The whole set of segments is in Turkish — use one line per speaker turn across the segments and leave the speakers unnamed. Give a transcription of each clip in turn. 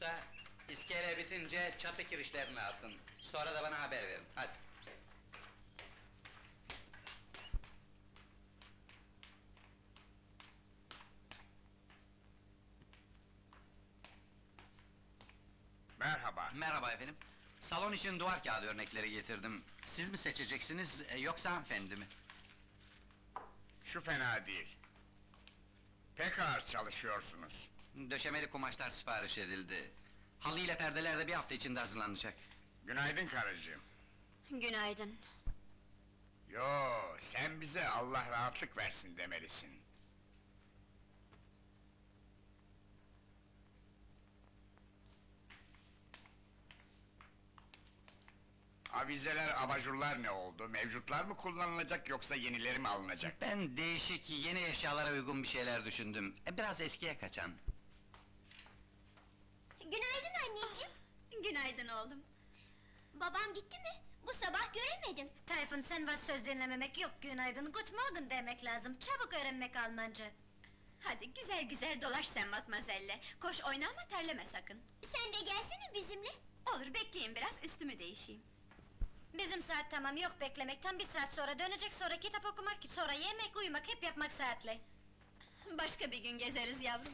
usta, iskele bitince çatı kirişlerini atın. Sonra da bana haber verin, hadi.
Merhaba.
Merhaba efendim. Salon için duvar kağıdı örnekleri getirdim. Siz mi seçeceksiniz, yoksa hanımefendi mi?
Şu fena değil. Pek ağır çalışıyorsunuz.
Döşemeli kumaşlar sipariş edildi. Halı ile perdeler de bir hafta içinde hazırlanacak.
Günaydın karıcığım.
Günaydın.
Yo, sen bize Allah rahatlık versin demelisin. Avizeler, abajurlar ne oldu? Mevcutlar mı kullanılacak yoksa yenileri mi alınacak?
Ben değişik, yeni eşyalara uygun bir şeyler düşündüm. Biraz eskiye kaçan.
Günaydın anneciğim.
Günaydın oğlum.
Babam gitti mi? Bu sabah göremedim.
Tayfun, sen var, söz dinlememek yok, günaydın, good morning demek lazım, çabuk öğrenmek Almanca.
Hadi güzel güzel dolaş sen matmazelle. Koş oyna ama terleme sakın.
Sen de gelsene bizimle.
Olur bekleyin biraz üstümü değişeyim.
Bizim saat tamam, yok beklemek, tam bir saat sonra dönecek, sonra kitap okumak, sonra yemek, uyumak, hep yapmak saatli.
Başka bir gün gezeriz yavrum.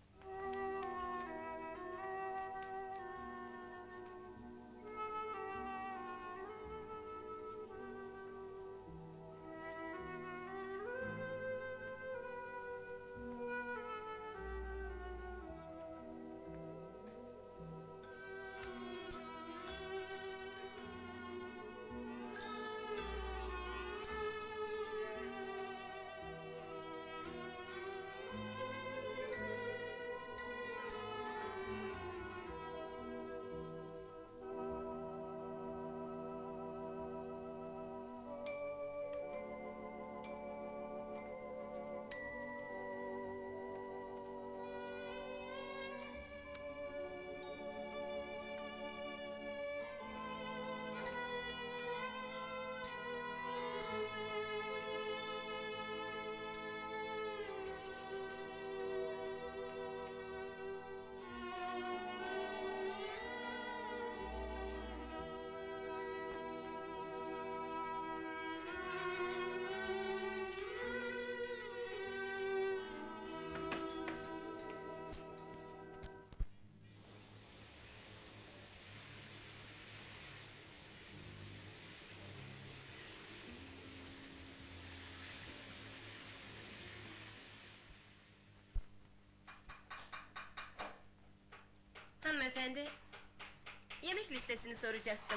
Hanımefendi, yemek listesini soracaktım.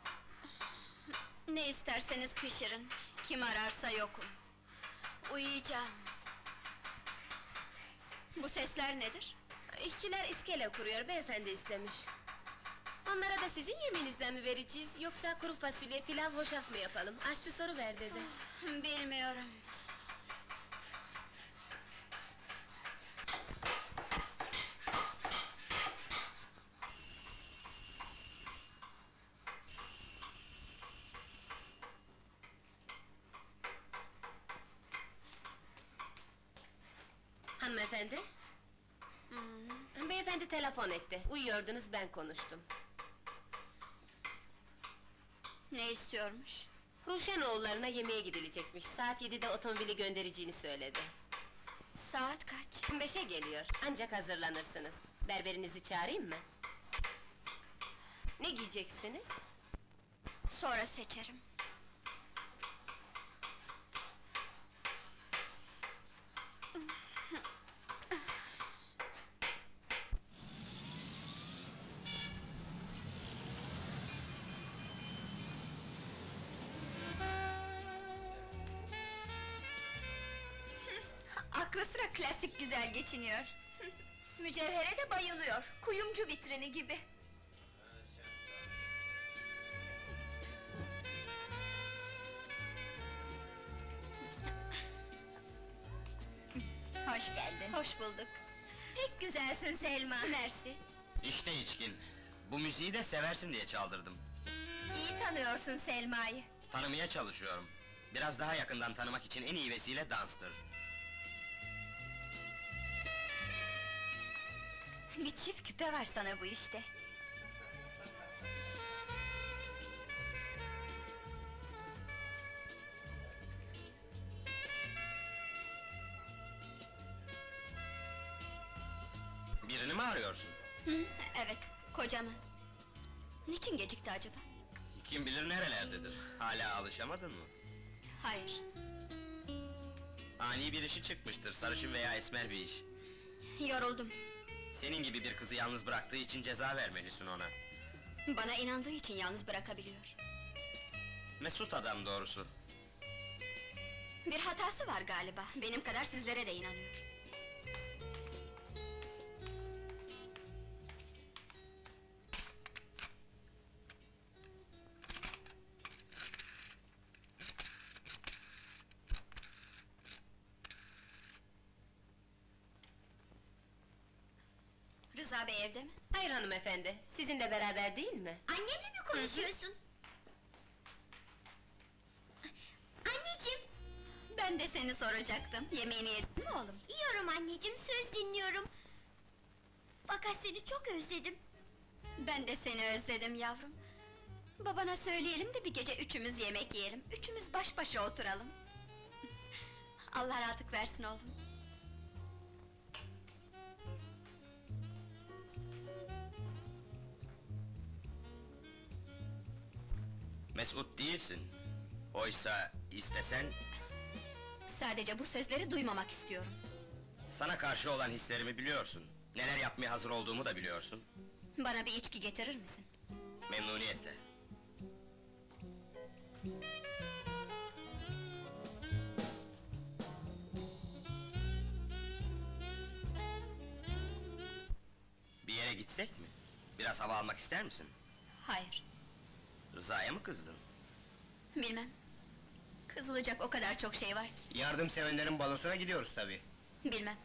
Ne isterseniz pişirin. Kim ararsa yokum. Uyuyacağım. Bu sesler nedir?
İşçiler iskele kuruyor, beyefendi istemiş. Onlara da sizin yemeğinizden mi vereceğiz, yoksa kuru fasulye, pilav, hoşaf mı yapalım? Aşçı soruver dedi.
Bilmiyorum.
Hanımefendi? Beyefendi telefon etti, uyuyordunuz, ben konuştum.
Ne istiyormuş?
Ruşenoğullarına yemeğe gidilecekmiş, saat 7'de otomobili göndereceğini söyledi.
Saat kaç?
5'e geliyor, ancak hazırlanırsınız. Berberinizi çağırayım mı? Ne giyeceksiniz?
Sonra seçerim. Aklı sıra klasik güzel geçiniyor. Mücevhere de bayılıyor, kuyumcu vitrini gibi. Hoş geldin. Hoş bulduk. Pek güzelsin Selma. Mersi.
İşte içkin. Bu müziği de seversin diye çaldırdım.
İyi tanıyorsun Selma'yı.
Tanımaya çalışıyorum. Biraz daha yakından tanımak için en iyi vesile danstır.
Bir çift küpe var sana bu işte.
Birini mi arıyorsun?
Evet, kocamı. Niçin gecikti acaba?
Kim bilir nerelerdedir? Hala alışamadın mı?
Hayır,
Ani bir işi çıkmıştır, sarışın veya esmer bir iş.
yoruldum.
Senin gibi bir kızı yalnız bıraktığı için ceza vermelisin ona.
Bana inandığı için yalnız bırakabiliyor.
Mesut adam doğrusu.
Bir hatası var galiba, benim kadar sizlere de inanıyor. Rıza Bey evde mi?
Hayır hanımefendi, sizinle beraber değil mi?
Annemle mi konuşuyorsun? Anneciğim!
Ben de seni soracaktım, yemeğini yedin mi oğlum?
Yiyorum anneciğim, söz dinliyorum. Fakat seni çok özledim.
Ben de seni özledim yavrum. Babana söyleyelim de bir gece üçümüz yemek yiyelim, üçümüz baş başa oturalım. Allah rahatlık versin oğlum.
Mesut değilsin. Oysa istesen,
Sadece bu sözleri duymamak istiyorum.
sana karşı olan hislerimi biliyorsun. Neler yapmaya hazır olduğumu da biliyorsun.
Bana bir içki getirir misin?
Memnuniyetle. Bir yere gitsek mi? Biraz hava almak ister misin?
Hayır,
Rıza'ya mı kızdın?
bilmem. Kızılacak o kadar çok şey var ki,
Yardımsevenlerin balosuna gidiyoruz tabii.
bilmem.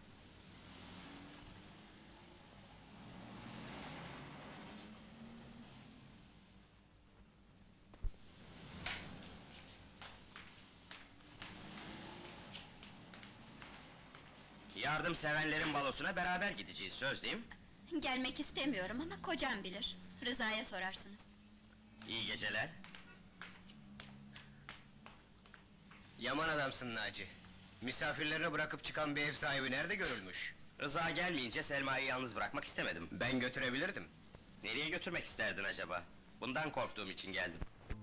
Yardımsevenlerin balosuna beraber gideceğiz, söz değil mi?
Gelmek istemiyorum ama kocam bilir. Rıza'ya sorarsınız.
İyi geceler.
Yaman adamsın Naci. Misafirlerini bırakıp çıkan bir ev sahibi nerede görülmüş?
Rıza gelmeyince Selma'yı yalnız bırakmak istemedim.
Ben götürebilirdim.
Nereye götürmek isterdin acaba? Bundan korktuğum için geldim.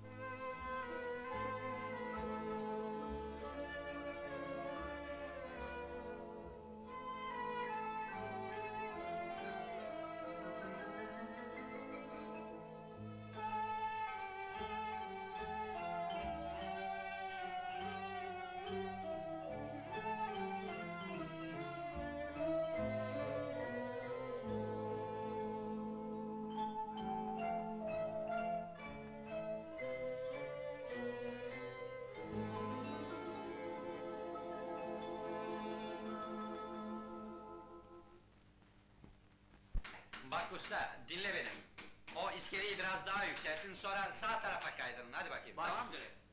Bak usta, dinle beni. O iskeleyi biraz daha yükseltin, sonra sağ tarafa kaydırın, hadi bakayım, tamam mı? Hı.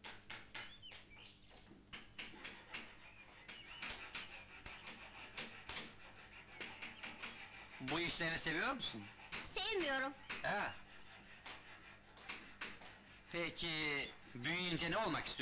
Bu işleri seviyor musun?
Sevmiyorum.
Ha. Peki, büyüyünce ne olmak istiyorsun?